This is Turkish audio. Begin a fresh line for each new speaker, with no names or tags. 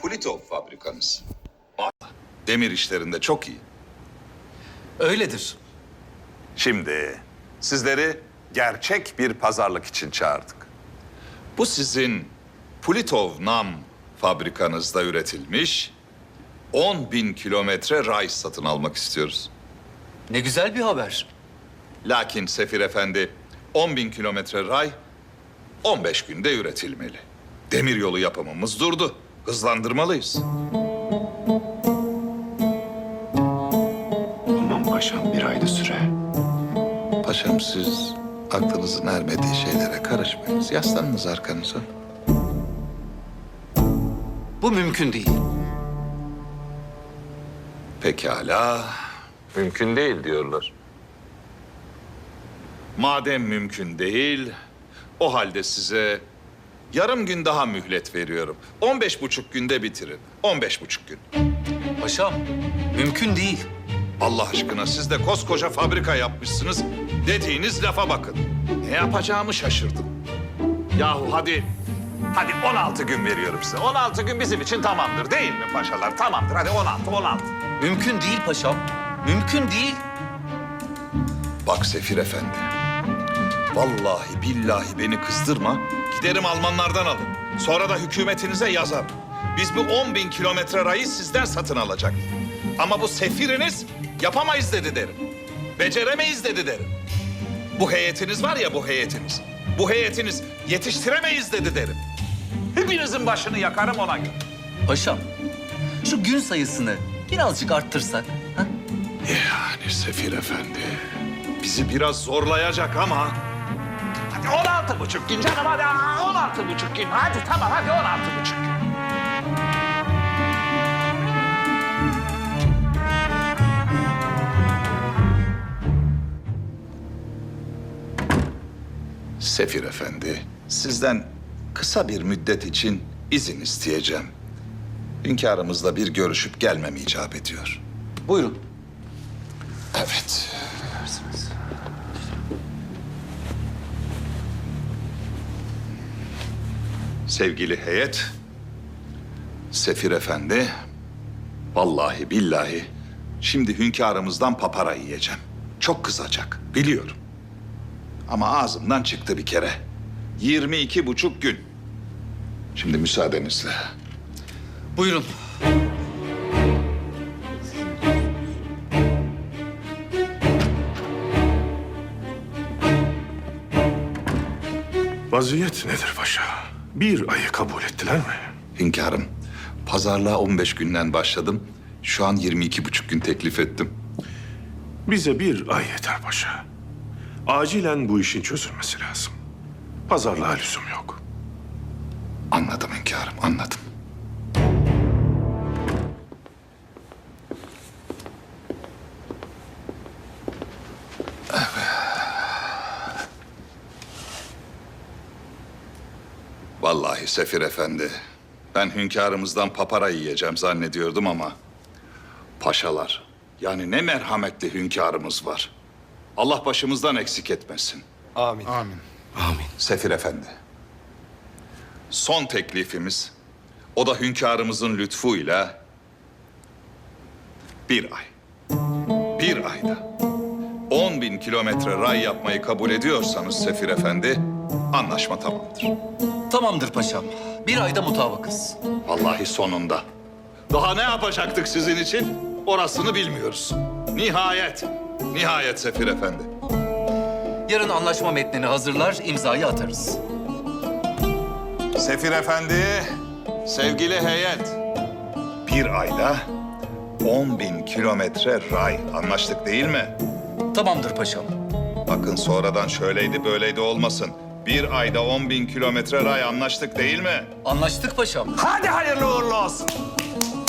Pulitov fabrikanız. Demir işlerinde çok iyi.
Öyledir.
Şimdi sizleri gerçek bir pazarlık için çağırdık. Bu sizin Pulitov Nam fabrikanızda üretilmiş 10.000 kilometre ray satın almak istiyoruz.
Ne güzel bir haber.
Lakin Sefir Efendi 10.000 kilometre ray 15 günde üretilmeli. Demiryolu yapımımız durdu. Hızlandırmalıyız.
Aman paşam, bir ayda süre.
Paşam siz aklınızın ermediği şeylere karışmayınız. Yaslanınız arkanıza.
Bu mümkün değil.
Pekala. Mümkün değil diyorlar. Madem mümkün değil, o halde size yarım gün daha mühlet veriyorum. 15,5 günde bitirin. 15,5 gün.
Paşam, mümkün değil.
Allah aşkına siz de koskoca fabrika yapmışsınız. Dediğiniz lafa bakın. Ne yapacağımı şaşırdım. Yahu hadi 16 gün veriyorum size. 16 gün bizim için tamamdır değil mi paşalar? Tamamdır hadi 16.
Mümkün değil paşam. Mümkün değil.
Bak Sefir Efendi. Vallahi billahi beni kızdırma. Giderim Almanlardan alın. Sonra da hükümetinize yazarım. Biz bu 10.000 kilometre rayı sizden satın alacaktık. Ama bu sefiriniz yapamayız dedi derim. Beceremeyiz dedi derim. Bu heyetiniz var ya bu heyetiniz. Bu heyetiniz yetiştiremeyiz dedi derim. Hepinizin başını yakarım ona göre.
Paşam, şu gün sayısını birazcık arttırsak. Ha?
Yani Sefir Efendi bizi biraz zorlayacak ama... Hadi 16,5 gün canım hadi 16,5 gün. Hadi tamam hadi 16,5 gün. Sefir Efendi, sizden kısa bir müddet için izin isteyeceğim. Hünkârımızla bir görüşüp gelmem icap ediyor.
Buyurun.
Evet. Sevgili heyet, Sefir Efendi, vallahi billahi şimdi hünkârımızdan papara yiyeceğim. Çok kızacak, biliyorum. Ama ağzımdan çıktı bir kere. 22,5 gün. Şimdi müsaadenizle.
Buyurun.
Vaziyet nedir paşa? Bir ayı kabul ettiler mi?
Hünkârım, pazarlığa 15 günden başladım. Şu an 22,5 gün teklif ettim.
Bize bir ay yeter paşa. Acilen bu işin çözülmesi lazım. Pazarlığa lüzum yok.
Anladım hünkârım, anladım. Vallahi Sefir Efendi, ben hünkârımızdan papara yiyeceğim zannediyordum ama... Paşalar, yani ne merhametli hünkârımız var. Allah başımızdan eksik etmesin.
Amin.
Sefir Efendi, son teklifimiz, o da hünkârımızın lütfuyla... bir ay. Bir ayda 10.000 kilometre ray yapmayı kabul ediyorsanız Sefir Efendi, anlaşma tamamdır.
Tamamdır paşam. Bir ayda mutabıkız.
Vallahi sonunda. Daha ne yapacaktık sizin için? Orasını bilmiyoruz. Nihayet Sefir Efendi.
Yarın anlaşma metnini hazırlar, imzayı atarız.
Sefir Efendi, sevgili heyet. Bir ayda 10.000 kilometre ray. Anlaştık değil mi?
Tamamdır paşam.
Bakın sonradan şöyleydi böyleydi olmasın. Bir ayda 10.000 kilometre ray anlaştık değil mi?
Anlaştık paşam.
Hadi hayırlı uğurlu olsun.